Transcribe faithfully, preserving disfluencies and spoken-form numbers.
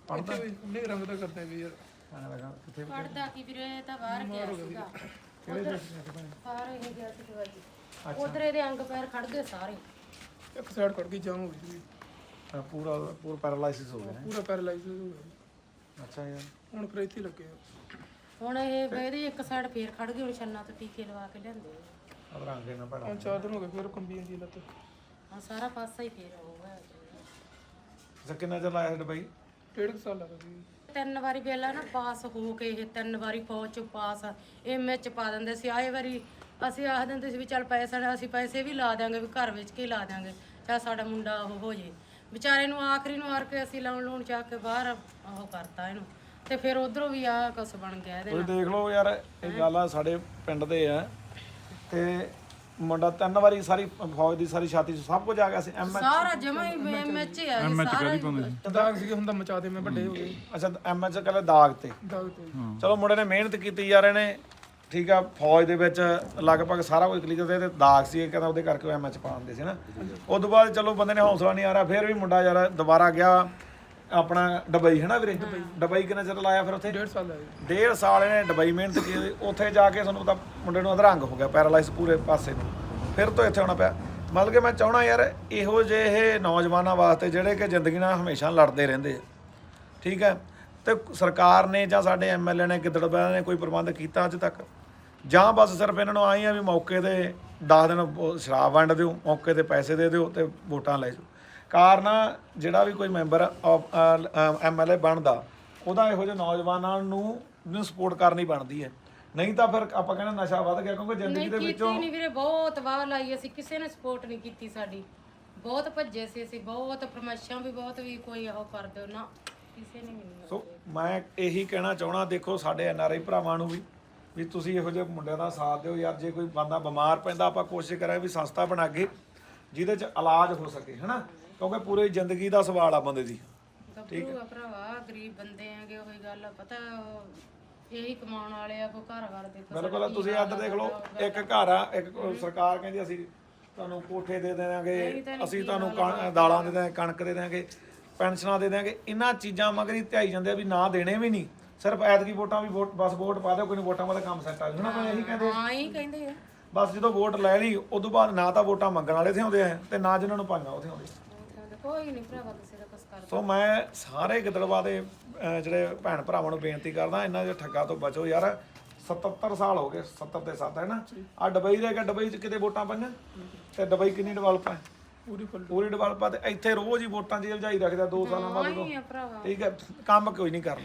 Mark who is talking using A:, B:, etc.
A: ਪੜਦਾ
B: ਉਹਨੇ ਰੰਗ ਦਾ ਕਰਦਾ ਵੀ ਯਾਰ
A: ਆਹ ਲਗਾ ਕਿੱਥੇ
C: ਪੜਦਾ ਕੀ ਵੀਰੇ ਤਾਂ ਬਾਹਰ ਗਿਆ ਸੀਗਾ
A: ਕਿਹੜੇ ਦੇਸ਼ ਵਿੱਚ ਭੈਣੇ?
C: ਬਾਹਰ ਇਹ ਗਿਆ ਸੀ ਦਵਾਈ ਉਧਰ ਇਹਦੇ ਅੰਗ ਪੈਰ ਖੜ ਗਏ ਸਾਰੇ
B: ਇੱਕ ਸਾਈਡ ਕੱਢ ਕੇ ਜਾਮ ਹੋ ਗਈ ਸੀ
A: ਅਹ ਪੂਰਾ ਪੂਰਾ ਪੈਰਾਲਾਈਸਿਸ ਹੋ ਗਿਆ ਹੈ।
B: ਪੂਰਾ ਪੈਰਾਲਾਈਜ਼ ਹੋ ਗਿਆ
A: ਅੱਛਾ ਯਾਰ
B: ਹੁਣ ਫਿਰ ਇੱਥੇ ਹੀ ਲੱਗੇ ਆ।
C: ਹੁਣ ਇਹ ਇਹਦੀ ਇੱਕ ਸਾਈਡ ਫੇਰ ਖੜ ਗਈ ਹੁਣ ਛੰਨਾ ਤੋਂ ਟੀਕੇ ਲਵਾ ਕੇ ਲਿਆਂਦੇ
A: ਅਬ ਰੰਗ ਨਾ ਪੜਾ
B: ਹੁਣ ਚਾਰ ਦਿਨ ਹੋ ਗਏ ਫਿਰ ਕੰਬੀ ਜਾਂਦੀ ਲੱਤ
C: ਹਾਂ ਸਾਰਾ ਪਾਸਾ ਹੀ ਫੇਰ ਹੋਊਗਾ
A: ਅੱਛਾ ਕਿੰਨਾ ਚਿਰ ਲਾਇਆ ਦੁਬਈ
B: ਡੇਢ ਕੁ ਸਾਲ ਲੱਗ ਗਈ
C: ਤਿੰਨ ਵਾਰੀ ਪਹਿਲਾਂ ਨਾ ਪਾਸ ਹੋ ਕੇ ਇਹ ਤਿੰਨ ਵਾਰੀ ਫੌਜ ਚ ਪਾਸ ਐਮ ਚ ਪਾ ਦਿੰਦੇ ਸੀ ਆਏ ਵਾਰੀ ਅਸੀਂ ਆਖ ਦਿੰਦੇ ਸੀ ਵੀ ਚੱਲ ਪੈਸੇ ਨੇ ਅਸੀਂ ਪੈਸੇ ਵੀ ਲਾ ਦਿਆਂਗੇ ਵੀ ਘਰ ਵਿੱਚ ਕੇ ਲਾ ਦਿਆਂਗੇ ਚਾਹ ਸਾਡਾ ਮੁੰਡਾ ਉਹ ਹੋ ਜੇ ਵਿਚਾਰੇ ਨੂੰ ਆਖਰੀ ਨੂੰ ਆਰ ਕੇ ਅਸੀਂ ਲਾਉਣ ਲੂਣ ਚੱਕ ਕੇ ਬਾਹਰ ਉਹ ਕਰਤਾ ਇਹਨੂੰ ਤੇ ਫਿਰ ਉਧਰੋਂ ਵੀ ਆ ਕੁਛ ਬਣ ਗਿਆ ਇਹਦੇ
A: ਤੁਸੀਂ ਦੇਖ ਲਓ ਯਾਰ ਇਹ ਗੱਲ ਆ ਸਾਡੇ ਪਿੰਡ ਦੇ ਆ ਤੇ ਮੁੰਡਾ ਤਿੰਨ ਵਾਰੀ ਸਾਰੀ ਫੌਜ ਦੀ ਸਾਰੀ ਛਾਤੀ 'ਚ ਸਭ ਕੁਝ ਆ ਗਿਆ ਸੀ ਐਮ
C: ਸਾਰਾ ਜਮਾ ਹੀ ਐਮ ਐਚ ਆ ਜੀ, ਸਾਰਾ ਹੀ।
B: ਦਾਗ ਸੀਗੇ ਹੁੰਦਾ ਮਚਾ ਦੇ ਮੈਂ ਵੱਡੇ ਹੋ ਗਏ
A: ਅੱਛਾ ਐਮ ਐਚ ਕਹਿੰਦੇ ਦਾਗ ਤੇ
B: ਦਾਗ ਤੇ
A: ਚਲੋ ਮੁੰਡੇ ਨੇ ਮਿਹਨਤ ਕੀਤੀ ਯਾਰ ਇਹਨੇ ਠੀਕ ਆ ਫੌਜ ਦੇ ਵਿੱਚ ਲਗਭਗ ਸਾਰਾ ਕੁਝ ਕਲੀਅਰ ਤੇ ਦਾਗ ਸੀ ਇਹ ਕਹਿੰਦਾ ਉਹਦੇ ਕਰਕੇ ਐਮ ਐਚ ਪਾਉਂਦੇ ਸੀ ਨਾ ਉਸ ਤੋਂ ਬਾਅਦ ਚਲੋ ਬੰਦੇ ਨੇ ਹੌਸਲਾ ਨਹੀਂ ਆ ਰਿਹਾ ਫਿਰ ਵੀ ਮੁੰਡਾ ਯਾਰ ਦੁਬਾਰਾ ਗਿਆ ਆਪਣਾ ਦੁਬਈ ਹੈ ਨਾ ਵੀਰੇ ਦੁਬਈ ਕਿੰਨਾ ਚਿਰ ਲਾਇਆ ਫਿਰ ਉੱਥੇ
B: ਡੇਢ ਸਾਲ ਲੱਗੇ
A: ਡੇਢ ਸਾਲ ਇਹਨੇ ਦੁਬਈ ਮਿਹਨਤ ਕੀਤੀ ਉੱਥੇ ਜਾ ਕੇ ਤੁਹਾਨੂੰ ਪਤਾ ਮੁੰਡੇ ਨੂੰ ਅਧਰੰਗ ਹੋ ਗਿਆ ਪੈਰਾਲਾਈਜ਼ ਪੂਰੇ ਪਾਸੇ ਨੂੰ ਫਿਰ ਤੋਂ ਇੱਥੇ ਆਉਣਾ ਪਿਆ ਮਤਲਬ ਕਿ ਮੈਂ ਚਾਹਣਾ ਯਾਰ ਇਹੋ ਜਿਹੇ ਨੌਜਵਾਨਾਂ ਵਾਸਤੇ ਜਿਹੜੇ ਕਿ ਜ਼ਿੰਦਗੀ ਨਾਲ ਹਮੇਸ਼ਾ ਲੜਦੇ ਰਹਿੰਦੇ ਆ ਠੀਕ ਹੈ ਤੇ ਸਰਕਾਰ ਨੇ ਜਾਂ ਸਾਡੇ ਐਮ ਐਲ ਏ ਨੇ ਗਿੱਦੜਬਾਹ ਨੇ ਕੋਈ ਪ੍ਰਬੰਧ ਕੀਤਾ ਅੱਜ ਤੱਕ ਜਾਂ ਬਸ ਸਿਰਫ ਇਹਨਾਂ ਨੂੰ ਆਈ ਆ ਵੀ ਮੌਕੇ ਤੇ ਦਸ ਦਿਨ ਉਹ ਸ਼ਰਾਬ ਵੰਡ ਦਿਓ ਮੌਕੇ ਤੇ ਪੈਸੇ ਦੇ ਦਿਓ ਤੇ ਵੋਟਾਂ ਲੈ ਜਾਓ ਕਾਰਨ ਜਿਹੜਾ ਵੀ ਕੋਈ ਮੈਂਬਰ ਐਮ ਐਲ ਏ ਬਣਦਾ ਉਹਦਾ ਇਹੋ ਜਿਹੇ ਨੌਜਵਾਨਾਂ ਨੂੰ ਨੂੰ ਸਪੋਰਟ ਕਰਨੀ ਬਣਦੀ ਹੈ ਨਹੀਂ ਤਾਂ ਫਿਰ ਆਪਾਂ ਕਹਿੰਦੇ ਨਸ਼ਾ ਵੱਧ ਗਿਆ ਕਿਉਂਕਿ ਜ਼ਿੰਦਗੀ ਦੇ ਵਿੱਚੋਂ
C: ਕੀਤੀ ਨਹੀਂ ਵੀਰੇ ਬਹੁਤ ਵਾਹ ਲਾਈ ਅਸੀਂ ਕਿਸੇ ਨੇ ਸਪੋਰਟ ਨਹੀਂ ਕੀਤੀ ਸਾਡੀ ਬਹੁਤ ਭੱਜੇ ਸੀ ਅਸੀਂ ਬਹੁਤ ਫਰਮਾਇਸ਼ਾਂ ਵੀ ਬਹੁਤ ਵੀ ਕੋਈ ਉਹ ਕਰ ਦਿਓ ਨਾ ਕਿਸੇ ਨੇ ਨਹੀਂ
A: ਸੋ ਮੈਂ ਇਹੀ ਕਹਿਣਾ ਚਾਹਣਾ ਦੇਖੋ ਸਾਡੇ ਐਨ ਆਰ ਆਈ ਭਰਾਵਾਂ ਨੂੰ ਵੀ ਵੀ ਤੁਸੀਂ ਇਹੋ ਜਿਹੇ ਮੁੰਡਿਆਂ ਦਾ ਸਾਥ ਦਿਓ ਯਾਰ ਜੇ ਕੋਈ ਬੰਦਾ ਬਿਮਾਰ ਪੈਂਦਾ ਆਪਾਂ ਕੋਸ਼ਿਸ਼ ਕਰਾਂ ਵੀ ਸੰਸਥਾ ਬਣਾ ਕੇ ਜਿਹਦੇ 'ਚ ਇਲਾਜ ਹੋ ਸਕੇ ਹਨਾ ਕਿਉਂਕਿ ਪੂਰੀ ਜ਼ਿੰਦਗੀ ਦਾ ਸਵਾਲ ਆ ਬੰਦੇ ਦੀ
C: ਗੱਭਰੂ ਆ ਭਰਾਵਾ ਗਰੀਬ ਬੰਦੇ ਆਗੇ ਉਹੀ ਗੱਲ ਆ ਪਤਾ ਉਹ ਇਹੀ ਕਮਾਉਣ ਵਾਲੇ ਆ ਕੋ ਘਰ-ਬਾਰ ਦੇਖੋ
A: ਬਿਲਕੁਲ ਤੁਸੀਂ ਇੱਧਰ ਦੇਖ ਲਓ ਇੱਕ ਘਰ ਆ ਇੱਕ ਸਰਕਾਰ ਕਹਿੰਦੀ ਅਸੀਂ ਤੁਹਾਨੂੰ ਕੋਠੇ ਦੇ ਦੇਵਾਂਗੇ ਅਸੀਂ ਤੁਹਾਨੂੰ ਕਣ- ਦਾਲਾਂ ਦੇ ਦੇਵਾਂਗੇ ਕਣਕ ਦੇ ਦੇਵਾਂਗੇ ਪੈਨਸ਼ਨਾਂ ਦੇ ਦੇਵਾਂਗੇ ਇਹਨਾਂ ਚੀਜ਼ਾਂ ਮਗਰ ਹੀ ਧਿਆਈ ਜਾਂਦੇ ਆ ਵੀ ਨਾ ਦੇਣੇ ਵੀ ਨਹੀਂ ਸਿਰਫ ਐਤਕੀ ਵੋਟਾਂ ਵੀ ਵੋਟ ਬਸ ਵੋਟ ਪਾ ਦਿਓ ਕੋਈ ਨਹੀਂ ਵੋਟਾਂ ਮਾ ਤਾਂ ਕੰਮ ਸੈੱਟ ਆ ਜੂਣਾ ਮੈਂ ਇਹੀ ਕਹਿੰਦੇ
C: ਹਾਂ ਹੀ ਕਹਿੰਦੇ ਆ
A: ਬਸ ਜਦੋਂ ਵੋਟ ਲੈ ਲਈ ਉਦੋਂ ਬਾਅਦ ਨਾ ਤਾਂ ਵੋਟਾਂ ਮੰਗਣ ਵਾਲੇ ਇੱਥੇ ਆਉਂਦੇ ਆ ਤੇ ਨਾ ਜਿਨ੍ਹਾਂ ਨੂੰ ਪਾਈਆਂ ਉੱਥੇ ਆਉਂਦੇ
C: ਕੋਈ ਨਹੀਂ ਭਰਾਵਾ ਕਿਸੇ ਦਾ ਕੁਛ ਕਰ
A: ਸੋ ਮੈਂ ਸਾਰੇ ਗਿੱਦੜਬਾਹ ਦੇ ਅਹ ਜਿਹੜੇ ਭੈਣ ਭਰਾਵਾਂ ਨੂੰ ਬੇਨਤੀ ਕਰਦਾ ਇਹਨਾਂ ਦੇ ਠੱਗਾ ਤੋਂ ਬਚੋ ਯਾਰ ਸਤੱਤਰ ਸਾਲ ਹੋ ਗਏ ਸੱਤਰ ਤੇ ਸੱਤ ਹੈ ਨਾ ਆ ਦੁਬਈ ਰਹਿ ਗਿਆ ਦੁਬਈ 'ਚ ਕਿਤੇ ਵੋਟਾਂ ਪਾਈਆਂ ਤੇ ਦੁਬਈ ਕਿੰਨੀ ਡਿਵੈਲਪ ਹੈ
B: ਪੂਰੀ ਫੁੱਲ
A: ਪੂਰੀ ਡਿਵੈਲਪ ਆ ਤੇ ਇੱਥੇ ਰੋਜ਼ ਹੀ ਵੋਟਾਂ ਦੀ ਉਲਝਾਈ ਰੱਖਦਾ ਦੋ ਸਾਲਾਂ ਬਾਅਦ
C: ਹੀ ਆ ਭਰਾਵਾ
A: ਠੀਕ ਹੈ ਕੰਮ ਕੋਈ ਨਹੀਂ ਕਰਨਾ